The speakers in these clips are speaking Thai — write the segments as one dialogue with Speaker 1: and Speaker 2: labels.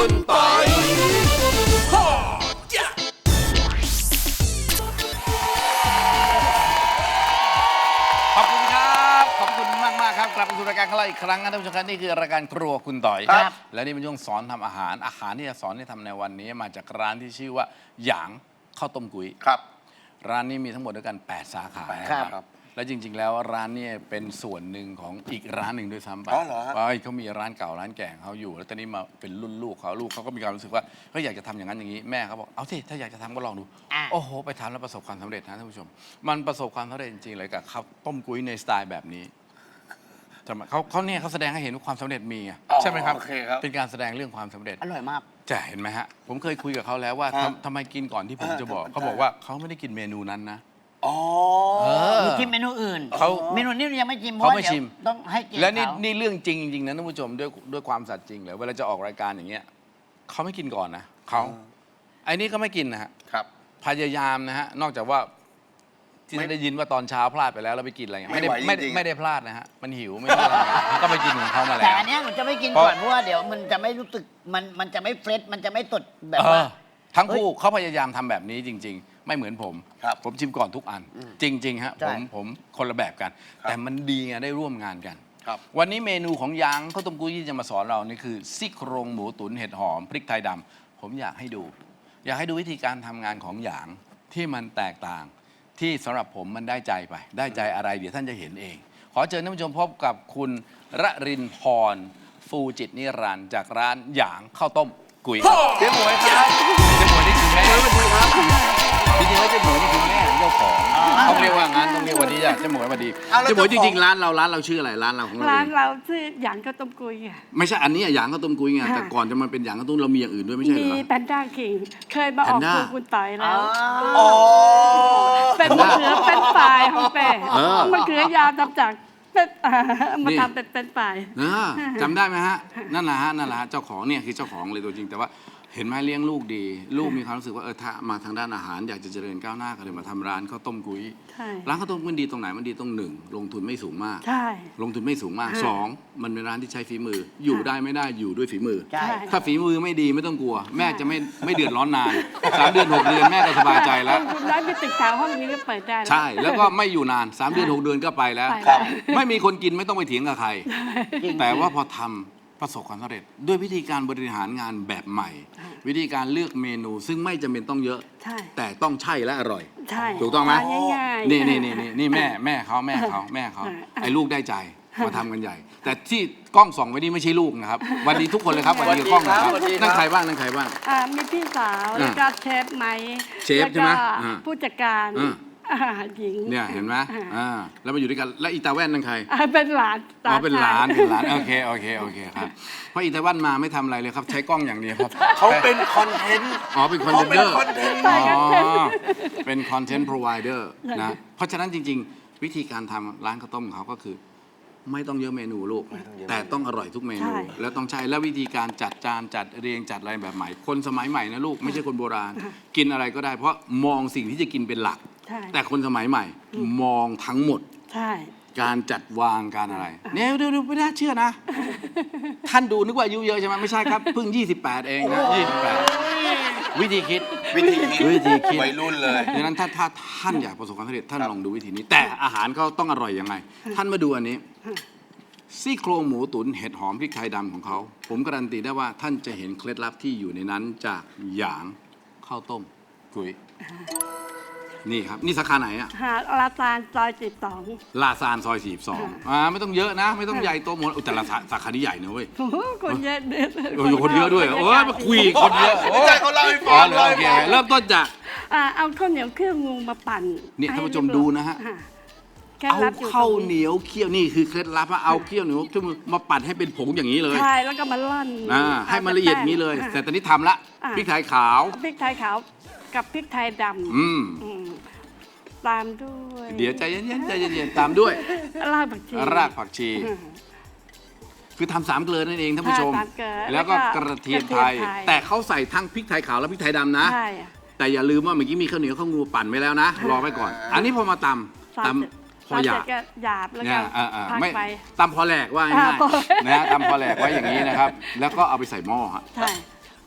Speaker 1: คุณปอยขอบคุณครับขอบคุณมากครับกลับมาสู่รายการของเราอีกครั้งนะท่านผู้ชมครับนี่คือรายการครัวคุณต่อยครับและนี่เป็นช่วงสอนทำอาหารที่จะสอนให้ทำในวันนี้มาจากร้านที่ชื่อว่าหยางข้าวต้มกุ้ย
Speaker 2: ครับ
Speaker 1: ร้านนี้มีทั้งหมดด้วยกัน8 สาขาครับและจริงๆแล้วร้านนี้เป็นส่วนหนึ่งของอีกร้านหนึ่งด้วยซ้ำไปเขามีร้านเก่าร้านแก่เขาอยู่แล้วตอนนี้มาเป็นรุ่นลูกเขาก็มีความรู้สึกว่าเขาอยากจะทำอย่างนั้นอย่างนี้แม่เขาบอกเอาสิถ้าอยากจะทำก็ลองดูโอ้โหไปทำแล้วประสบความสำเร็จนะท่านผู้ชมมันประสบความสำเร็จจริงๆเลยกับข้าวต้มกุ้ยในสไตล์แบบนี้เขาแสดงให้เห็นว่าความสำเร็จมีใช่ไหมครับเป็นการแสดงเรื่องความสำเร็จ
Speaker 3: อร่อยมาก
Speaker 1: จะเห็นไหมฮะผมเคยคุยกับเขาแล้วว่าทำไมกินก่อนที่ผมจะบอกเขาบอกว่าเขาไม่ได้กินเมนูนั้นนะ
Speaker 3: มีชิมเมนูอื่นเมนูนี้ยังไม่ชิมเพราะเดี๋ยวต้องให้กิน
Speaker 1: และนี่เรื่องจริงจริงนะท่านผู้ชมด้วยความสัตย์จริงเลยเวลาจะออกรายการอย่างเงี้ยเขาไม่กินก่อนนะเขาไอ้นี่ก็ไม่กินนะฮะพยายามนะฮะนอกจากว่าที่ได้ยินว่าตอนเช้าพลาดไปแล้วเราไปกินอะไรเงี้ยไม่ได้พลาดนะฮะมันหิวไม่ได้ก็ไปกินของเขามาแล้ว
Speaker 3: แต่อันนี้มันจะไม่กินก่อนเพราะว่าเดี๋ยวมันจะไม่รู้สึกมันจะไม่เฟรชมันจะไม่สดแบบว่า
Speaker 1: ทั้งคู่เขาพยายามทำแบบนี้จริงๆไม่เหมือนผมชิมก่อนทุกอันจริงๆฮะผมคนละแบบกันแต่มันดีไงได้ร่วมงานกันวันนี้เมนูของยางข้าวต้มกุ้ยที่จะมาสอนเรานี่คือซี่โครงหมูตุ๋นเห็ดหอมพริกไทยดำผมอยากให้ดูวิธีการทำงานของยางที่มันแตกต่างที่สำหรับผมมันได้ใจไปได้ใจอะไรเดี๋ยวท่านจะเห็นเองขอเชิญท่านผู้ชมพบกับคุณระรินพรฟูจิตนิรันดร์จากร้านหยางข้าวต้มกุ้ยเจ๊หมวยครับเจ๊หมวยนี่คือแม่จริงๆแล้วเจ๊หมวยนี่คือแม่เจ้าของต้องเรียกว่างั้นต้องเรียกวันนี้เจ๊หมวยสวัสดีเจ๊หมวยจริงๆร้านเราชื่ออะไรร้านเราของ
Speaker 4: ร้านเราชื่อหยางข้าวต้มกุ้ยค่ะ
Speaker 1: ไม่ใช่อันนี้หยางข้าวต้มกุ้ยไงแต่ก่อนจะมาเป็นหยางข้าวต้มเรามีอย่างอื่นด้วยไม่ใช่เหรอ
Speaker 4: มีแพนด้าคิงเคยมาออกคุณต่อยแล้วเป็นมะเขือเป็นปลายของแป้มะเขือยาวทำจากมาทำเป็นปลาย
Speaker 1: จำได้ไหมฮะนั่นแหละฮะเจ้าของเนี่ยคือเจ้าของเลยตัวจริงแต่ว่าเห็นไหมเลี้ยงลูกดีลูกมีความรู้สึกว่าถ้ามาทางด้านอาหารอยากจะเจริญก้าวหน้าก็เลยมาทำร้านข้าวต้มกุ้ยร้านข้าวต้มมันดีตรงไหนมันดีตรงหนึ่งลงทุนไม่สูงมากลงทุนไม่สูงมากสองมันเป็นร้านที่ใช้ฝีมืออยู่ได้ไม่ได้อยู่ด้วยฝีมือถ้าฝีมือไม่ดีไม่ต้องกลัวแม่จะไม่เดือดร้อนนาน3 เดือน 6 เดือนแม่ก็สบายใจแล้ว
Speaker 4: คุณร้านไปตึกแถวห้องนี้ก็เปิดได้
Speaker 1: ใช่แล้วก็ไม่อยู่นาน3 เดือน 6 เดือนก็ไปแล้วไม่มีคนกินไม่ต้องไปเถียงกับใครแต่ว่าพอทำประสบความสำเร็จด้วยวิธีการบริหารงานแบบใหม่วิธีการเลือกเมนูซึ่งไม่จำเป็นต้องเยอะแต่ต้องใช่และอร่อยถูกต้องไหมนี่แม่เขาไอ้ลูกได้ใจมาทำกันใหญ่แต่ที่กล้องส่องไว้นี่ไม่ใช่ลูกนะครับวันนี้ทุกคนเลยครับวันนี้กล้องนะครับนั่งใครบ้าง
Speaker 4: มีพี่สาวแล้วก็เชฟไหม
Speaker 1: เชฟใช่ไหม
Speaker 4: ผู้จัดการหญิง
Speaker 1: เนี่ยเห็นไหมแล้วมาอยู่ด้วยกันและอีตาแว่นนั่นใคร
Speaker 4: เป็นหลาน
Speaker 1: เป็นหลานโอเคครับเพราะอีตาแว่นมาไม่ทำอะไรเลยครับใช้กล้องอย่างเดียวครับ
Speaker 2: เขาเป็นคอนเทนต์
Speaker 1: เป็นคอนเทนเดอร์เป็นคอนเทนต์พรอไวเดอร์นะเพราะฉะนั้นจริงๆวิธีการทำร้านข้าวต้มเขาก็คือไม่ต้องเยอะเมนูลูกแต่ต้องอร่อยทุกเมนูแล้วต้องใช้และวิธีการจัดจานจัดเรียงจัดอะไรแบบใหม่คนสมัยใหม่นะลูกไม่ใช่คนโบราณกินอะไรก็ได้เพราะมองสิ่งที่จะกินเป็นหลักแต่คนสมัยใหม่มองทั้งหมดการจัดวางการอะไรเนี่ยดูไม่น่าเชื่อนะท่านดูนึกว่าอายุเยอะใช่ไหมไม่ใช่ครับเพิ่ง28เองนะ28วิธีคิด
Speaker 2: วัยรุ่นเลย
Speaker 1: ดังนั้นถ้าท่านอยากประสบความสำเร็จท่านลองดูวิธีนี้แต่อาหารเขาต้องอร่อยยังไงท่านมาดูอันนี้ซี่โครงหมูตุ๋นเห็ดหอมพริกไทยดำของเขาผมการันตีได้ว่าท่านจะเห็นเคล็ดลับที่อยู่ในนั้นจากหยางข้าวต้มกุ้ยนี่ครับนี่สาขาไหนอะ
Speaker 4: ลาซานซอย42
Speaker 1: ลาซานซอย42ไม่ต้องเยอะนะไม่ต้องใหญ่โตหมดแต่ละสาขาที่ใหญ่นะเว้ย
Speaker 4: คนเยอะ
Speaker 1: คนเยอะด้วยมาคุยคนเยอะ
Speaker 2: ใช่เขาเล่าให้ฟังเลย
Speaker 1: เริ่มต้นจาก
Speaker 4: เอาข้าวเหนียวเครื่องงูมาปั่น
Speaker 1: นี่ท่านผู้ชมดูนะฮะเอาข้าวเหนียวเคี่ยวนี่คือเคล็ดลับเอาเคี่ยวเหนียวมาปั่นให้เป็นผงอย่างนี้เลย
Speaker 4: ใช่แล้วก็มาล่อน
Speaker 1: ให้มันละเอียดนี้เลยแต่ตอนนี้ทำละพริกไทยขาว
Speaker 4: กับพริกไทยดำตามด้วย
Speaker 1: เดี๋ยวใจเย็นตามด้วย
Speaker 4: ราก
Speaker 1: ผักชีคือทำ3 เกลือนั่นเองท่านผู้ชมแล้วก็กระเทียมไทยแต่เขาใส่ทั้งพริกไทยขาวและพริกไทยดำนะแต่อย่าลืมว่าเมื่อกี้มีข้าวเหนียวข้าวงูปั่นไว้แล้วนะรอไว้ก่อนอันนี้พอมาตำพอหยา
Speaker 4: บแล้วก็
Speaker 1: ไม่ตำพอแหลกว่าง่ายๆนะตำพอแหลกไว้อย่างนี้นะครับแล้วก็เอาไปใส่หม้อ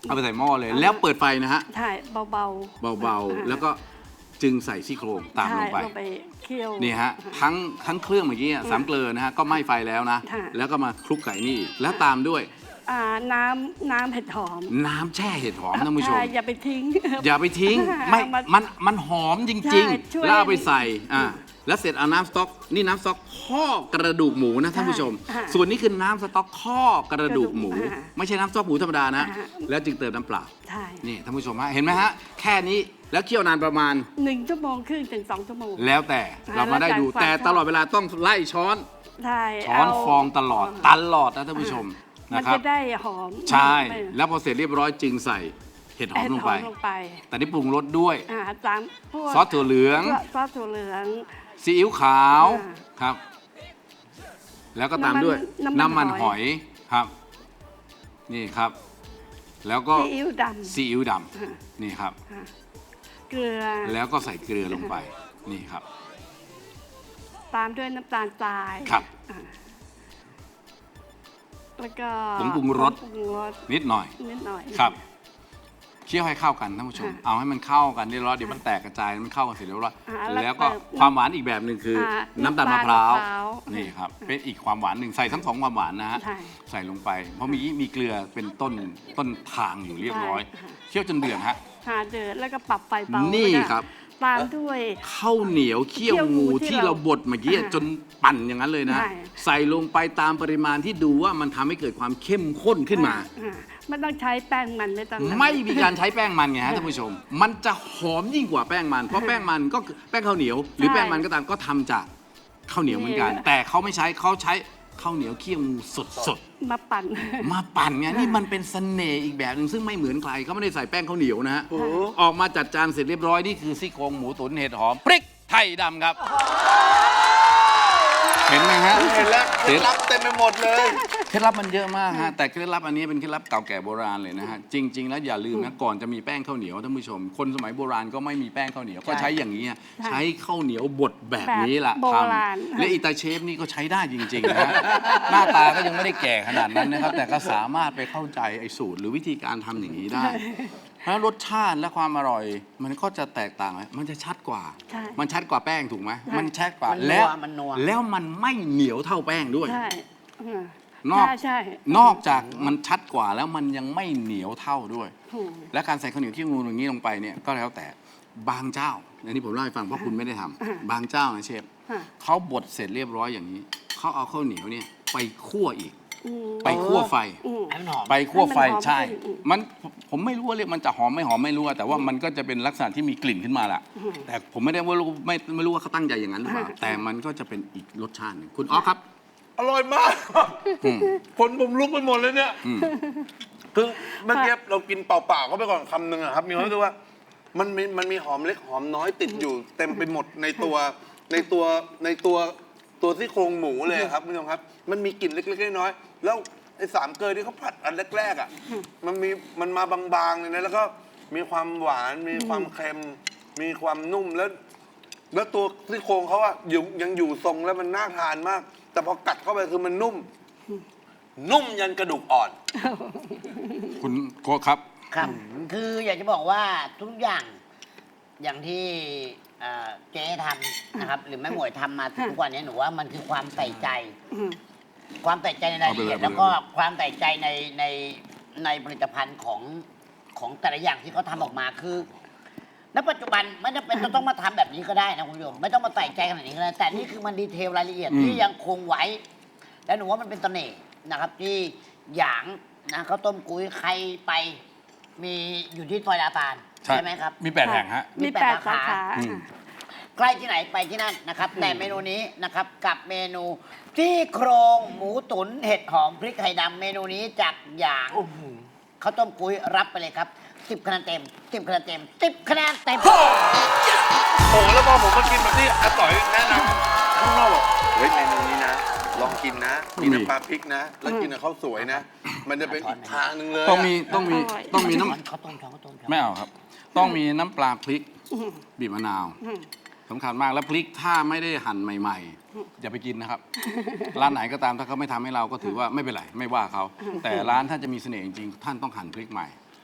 Speaker 1: เอาไปใส่หม้อเลย แล้วเปิดไฟนะฮะ
Speaker 4: ใช่เบา
Speaker 1: เบาๆแล้วก็จึงใส่ซี่โครงตามลงไป
Speaker 4: ใช่ลงไปเคี่ยว
Speaker 1: นี่ฮะทั้งเครื่องเมื่อกี้สามเกลือนะฮะก็ไหม้ไฟแล้วนะ
Speaker 4: ค่ะ
Speaker 1: แล้วก็มาคลุกไก่นี่อีกแล้วตามด้วย
Speaker 4: น้ำเห็ดหอม
Speaker 1: น้ำแช่เห็ดหอมท่านผู้ชม
Speaker 4: ใช่อย่าไปทิ้ง
Speaker 1: อย่าไปทิ้งไม่
Speaker 4: เอามา
Speaker 1: มันหอมจ
Speaker 4: ใช่
Speaker 1: ริง
Speaker 4: ช่วย
Speaker 1: ๆแล้วเอาไปใส่แล้วเสร็จเอาน้ำสต๊อกนี่น้ำสต๊อกข้อกระดูกหมูนะท่านผู้ชม
Speaker 4: ค่ะ
Speaker 1: ส่วนนี้คือน้ำสต๊อกข้อกระดูกหมู
Speaker 4: กระดูกหมู
Speaker 1: ไม่ใช่น้ำสต๊อกหมูธรรมดานะ
Speaker 4: ค่ะ
Speaker 1: แล้วจึงเติมน้ำเปล่า
Speaker 4: ใช่
Speaker 1: นี่ท่านผู้ชมฮะเห็นไหมฮะแค่นี้แล้วเคี่ยวนานประมาณ
Speaker 4: 1 ชั่วโมงครึ่งถึง 2 ชั่วโมง
Speaker 1: แล้วแต่เรามาได้ดู
Speaker 4: แล้วแต่
Speaker 1: แต่
Speaker 4: ความชอบ
Speaker 1: ตลอดเวลาต้องไล่ช้อน
Speaker 4: ใช่
Speaker 1: ช้อน
Speaker 4: เา
Speaker 1: ฟองตลอดนะท่านผู้ชม
Speaker 4: มัน
Speaker 1: นะครับ
Speaker 4: จะได้หอม
Speaker 1: ใช่
Speaker 4: ไม่
Speaker 1: แล้วพอเสร็จเรียบร้อยจึงใส่เห็ดหอมลงไป
Speaker 4: เห็ดหอมลงไป
Speaker 1: แต่นี่ปรุงรสด้วย
Speaker 4: ตามพวก
Speaker 1: ซอสถั่วเหลือง
Speaker 4: ซอสถั่วเหลือง
Speaker 1: ซีอิ๊วขาว
Speaker 4: อ่า
Speaker 1: ครับ แล้วก็ตามด้วย
Speaker 4: น้ำมัน
Speaker 1: หอยครับ นี่ครับ แล้วก็
Speaker 4: ซีอิ๊วด
Speaker 1: ซีอิ๊วด
Speaker 4: อ่า
Speaker 1: ำนี่ครับ
Speaker 4: ำเกลือ
Speaker 1: แล้วก็ใส่เกลือลงไปนี่ครับ
Speaker 4: ตามด้วยน้ำตาลทราย
Speaker 1: ครับ
Speaker 4: อ่าแล้วก็
Speaker 1: ผงปรุงรส
Speaker 4: ผงปรุงรส
Speaker 1: นิดหน่อย
Speaker 4: นิดหน่อย
Speaker 1: ครับเคี่ยวให้เข้ากันท่านผู้ชม
Speaker 4: ค่ะ
Speaker 1: เอาให้มันเข้ากันเรียบร้อยเดี๋ยวมันแตกกระจายมันเข้ากันเสร็จเรียบร้อย
Speaker 4: แล้ว
Speaker 1: แล้วก็
Speaker 4: เติม
Speaker 1: ความหวานอีกแบบหนึ่งคืออ น้ำตาลมะพร้าว
Speaker 4: น้ำตาลมะพร้าว
Speaker 1: นี่ครับเป็นอีกความหวานหนึ่งใส่ทั้งสองความหวานนะฮะ
Speaker 4: ใช่
Speaker 1: ใส่ลงไป เพราะมีเกลือเป็นต้นทางอยู่เรียบร้อย
Speaker 4: ใช่ค่ะ
Speaker 1: เคี่ยวจนเดือดฮะ
Speaker 4: เดือดแล้วก็ปรับไฟเบา
Speaker 1: นี่
Speaker 4: แล้วก็
Speaker 1: ครับ
Speaker 4: ตามด้วย
Speaker 1: ข้าวเหนียวเคี่ยวงู
Speaker 4: ที่
Speaker 1: ที่
Speaker 4: เรา
Speaker 1: เราบดเมื่อกี้
Speaker 4: อ่า
Speaker 1: จนปั่นอย่างนั้นเลยนะ
Speaker 4: ใช่
Speaker 1: ใส่ลงไปตามปริมาณที่ดูว่ามันทำให้เกิดความเข้มข้นขึ้นมา
Speaker 4: ไม่ต้องใช้แป้งมันไม่ต้อง
Speaker 1: ไม่มีการใช้แป้งมันไงฮะท่านผู้ชม มันจะหอมยิ่งกว่าแป้งมัน เพราะแป้งมันก็คือแป้งข้าวเหนียว หรือแป้งมันก็ตามก็ทำจากข้าวเหนียวเหมือนกัน แต่เขาไม่ใช้เขาใช้ข้าวเหนียวเคี่ยวงูสด
Speaker 4: มาปั่น
Speaker 1: ๆมาปั่นไงนี่มันเป็นเสน่ห์อีกแบบหนึ่งซึ่งไม่เหมือนใครเขาไม่ได้ใส่แป้งข้าวเหนียวนะฮะออกมาจัดจานเสร็จเรียบร้อยนี่คือซี่โครงหมูตุ๋นเห็ดหอมพริกไทยดำครับ เห็นไหมฮะ
Speaker 2: เห็นแล้วเคล็ดลับเต็มไปหมดเลย
Speaker 1: เคล็ดลับมันเยอะมากฮะแต่เคล็ดลับอันนี้เป็นเคล็ดลับเก่าแก่โบราณเลยนะฮะจริง ๆ แล้วอย่าลืมนะก่อนจะมีแป้งข้าวเหนียวท่านผู้ชม คนสมัยโบราณก็ไม่มีแป้งข้าวเหนียวก็ใช้อย่างนี้ฮะใช้ข้าวเหนียวบดแบบนี้แหละ
Speaker 4: แบบโบ
Speaker 1: ท
Speaker 4: ราณ
Speaker 1: ำและอีตาเชฟนี่ก็ใช้ได้จริงๆนะฮะหน้าตาก็ยังไม่ได้แก่ขนาดนั้นนะครับแต่ก็สามารถไปเข้าใจไอ้สูตรหรือวิธีการทำอย่างนี้ได้เพราะรสชาติและความอร่อยมันก็จะแตกต่างมันจะชัดกว่า
Speaker 4: ใช่
Speaker 1: มันชัดกว่าแป้งถูกไหมมันชัดกว่า
Speaker 3: มันนัว
Speaker 1: แล้ว
Speaker 3: มันนัว
Speaker 1: แล้วมันไม่เหนียวเท่าแป้งด้วย
Speaker 4: ใช่
Speaker 1: นอก
Speaker 4: ใช่
Speaker 1: นอกจากมันชัดกว่าแล้วมันยังไม่เหนียวเท่าด้วย
Speaker 4: ถูก
Speaker 1: และการใส่ข้าวเหนียวที่งูอย่างนี้ลงไปเนี่ยก็แล้วแต่บางเจ้าอันนี้ผมเล่าให้ฟังเพราะคุณไม่ได้ทำบางเจ้านะเชฟ
Speaker 4: ค่ะ
Speaker 1: เขาบดเสร็จเรียบร้อยอย่างนี้เขาเอาข้าวเหนียวเนี่ยไปคั่วอีก
Speaker 4: อืม
Speaker 1: ไปคั่วไฟ
Speaker 4: อืม
Speaker 3: ให้มันหอม
Speaker 1: ไปคั่วไฟ
Speaker 4: ให้มันหอม
Speaker 1: ใช่
Speaker 4: ขึ้นอืม
Speaker 1: มันผมไม่รู้ว่าเรียกมันจะหอมไม่หอมไม่รู้อะแต่ว่ามันก็จะเป็นลักษณะที่มีกลิ่นขึ้นมาแหละแต่ผมไม่ได้ว่ารู้ไม่รู้ว่าเขาตั้งใจอย่างนั้นหรือเปล่าแต่มันก็จะเป็นอีกรสชาติหนึ่งคุณอ๊อกครับ
Speaker 2: อร่อยมาก
Speaker 1: อืม
Speaker 2: คนผมลุกไปหมดเลยเนี่ย
Speaker 1: อืม
Speaker 2: คือเมื่อกี้เรากินเปล่าๆเข้าไปก่อนคำหนึ่งอะครับ มีความรู้สึกว่ามันมีหอมเล็กหอมน้อยติดอยู่ เต็มไปหมดในตัวซี่โครงหมูเลยครับคุณผู้ชมครับ มันมีกลิ่นเล็กๆน้อยๆแล้วไอ้สามเกลือที่เขาผัดอันแรกๆอ่ะมันมาบางๆเลยนะแล้วก็มีความหวานมีความเค็ม มีความนุ่มแล้วตัวซี่โครงเขาอะยังอยู่ทรงแล้วมันน่าทานมาก แต่พอกัดเข้าไปคือมันนุ่มยันกระดูกอ่อน
Speaker 1: คุณโกครับ
Speaker 3: ครับ คืออยากจะบอกว่าทุกอย่างอย่างที่เจ๊ทำนะครับ หรือแม่หมวยทำมาทุกวันนี้หนูว่ามันคือความใส่ใจ
Speaker 4: อืม
Speaker 3: ความใส่ใจในรายละเอียด
Speaker 1: เอาไปเลย
Speaker 3: แล้วก็ความใส่ใจในผลิตภัณฑ์ของแต่ละอย่างที่เขาทำออกมาคือณปัจจุบันไม่จำเป็นจะต้องมาทำแบบนี้ก็ได้นะคุณผู้ชมไม่ต้องมาใส่ใจขนาดนี้ก็ได้แต่นี่คือมันดีเทลรายละเอียดที่ยังคงไว้ และหนูว่ามันเป็นเสน่ห์นะครับ ที่หยางนะข้าวต้มกุ้ยใครไปมีอยู่ที่ซอยลาซานใช่ไหมครับ
Speaker 1: มี8 แห่งฮะ
Speaker 4: มี
Speaker 3: มี
Speaker 4: แป
Speaker 3: แป
Speaker 4: ด
Speaker 3: ด
Speaker 4: สา
Speaker 3: สา
Speaker 4: ขา
Speaker 3: ขา
Speaker 1: อืม
Speaker 3: ใกล้ที่ไหนไปที่นั่นนะครับ แต่เมนูนี้นะครับกับเมนูที่โครงหมูตุ๋นเห็ดหอมพริกไทยดำเมนูนี้จากหยางข้าวต้มกุ้ยรับไปเลยครับ10 คะแนนเต็ม10 คะแนนเต็ม10 คะแนนเต็ม
Speaker 2: โอ้โหแล้วพอผมมากินแบบที่อาต่อยแนะนำข้างนอกบอกเฮ้ยเมนูนี้นะ ลองกินนะ มีน้ำปลาพริกนะ แล้วกินกับข้าวสวยนะ มันจะเป็นอีกทางหนึ่งเลย
Speaker 1: ต้องมี
Speaker 2: ะ
Speaker 1: ต้องมี
Speaker 4: อร่อย
Speaker 1: ต้องมีน้
Speaker 3: ข้าวต้มช้อนข้าวต้มช้อน
Speaker 1: ำไม่เอาครับ ต้องมีน้ำปลาพริกบีบมะนาว
Speaker 4: อืม
Speaker 1: สำคัญมากแล้วพริกถ้าไม่ได้หั่นใหม่ๆอย่าไปกินนะครับ ร้านไหนก็ตามถ้าเขาไม่ทำให้เราก็ถือว่าไม่เป็นไรไม่ว่าเขาแต่ร้านท่านจะมีเสน่ห์จริงๆท่านต้องหั่นพริกใหม่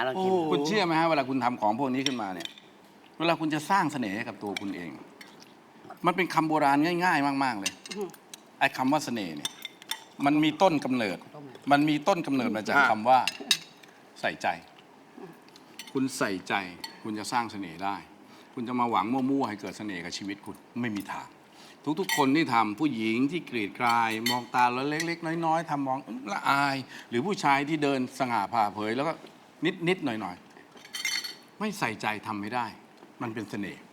Speaker 3: ลองชิม
Speaker 1: คุณเชื่อไหมฮะเวลาคุณทำของพวกนี้ขึ้นมาเนี่ย เวลาคุณจะสร้างเสน่ห์ให้กับตัวคุณเอง มันเป็นคำโบราณง่าย ๆ มาก ๆ เลย ไอ้คำว่าเสน่ห์เนี่ย มันมีต้นกำเนิด มันมีต้นกำเนิดมาจากคำว่าใส่ใจ คุณใส่ใจ คุณจะสร้างเสน่ห์ได้ คุณจะมาหวังมั่วๆให้เกิดเสน่ห์กับชีวิตคุณไม่มีทาง ทุกๆ คนที่ทำผู้หญิงที่กรีดกราย มองตาแล้วเล็กๆ น้อยๆทำมองละอาย หรือผู้ชายที่เดินสง่าผ่าเผยแล้วก็นิดๆหน่อยๆไม่ใส่ใจทำไม่ได้ มันเป็นเสน่ห์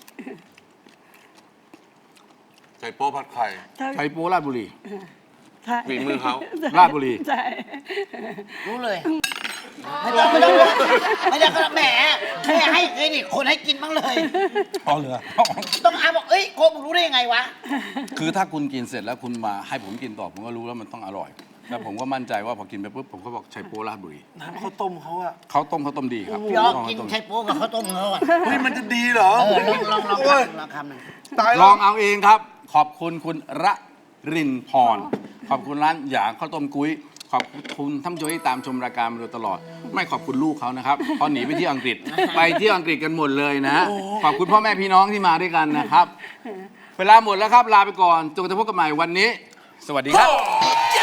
Speaker 2: ใส่โป๊ผัดไข่
Speaker 1: ไชโป๊ราชบุรี
Speaker 4: ใช่
Speaker 2: ฝีมือเขา
Speaker 1: ราชบุรี
Speaker 4: ใช่
Speaker 3: รู้เลย ไม่ต้องก็แหมให้เครดิตคนให้กินบ้างเลย
Speaker 1: อ๋อเหรอ
Speaker 3: ต้องอาบอกเอ้ยโคมึงรู้ได้ยังไงวะ
Speaker 1: คือถ้าคุณกินเสร็จแล้วคุณมาให้ผมกินต่อผมก็รู้แล้วมันต้องอร่อย แล้วผมก็มั่นใจว่าพอกินไปปุ๊บผมก็บอกไชโป๊ราชบุรี
Speaker 2: น้ำข้าวต้มเขาอะ
Speaker 1: เขาต้มดีครับ
Speaker 3: พี่อ๊อฟ
Speaker 1: ข้าว
Speaker 3: กิน
Speaker 1: ต้ม
Speaker 3: ไข่โป๊กับข้าวต้มเขาอ่ะ
Speaker 2: เฮ้ยมันจะดีเหรอ
Speaker 3: ลอง
Speaker 2: โอ้ย
Speaker 3: คำหนึ่ง
Speaker 2: ตาย
Speaker 1: ล
Speaker 2: แล้
Speaker 1: อ
Speaker 2: ว
Speaker 1: งเอาเองครับ ขอบคุณคุณระรินพร ขอบคุณร้านหยางข้าวต้มกุ้ย ขอบคุณท่านผู้ชมที่ตามชมรายการมาโดยตลอด ไม่ขอบคุณลูกเขานะครับเขาหนีไปที่อังกฤษ ไปที่อังกฤษกันหมดเลยนะ ขอบคุณพ่อแม่พี่น้องที่มาด้วยกันนะครับ เวลาหมดแล้วครับ ลาไปก่อนจนกระทั่งพบกันใหม่วันนี้ สวัสดีครับ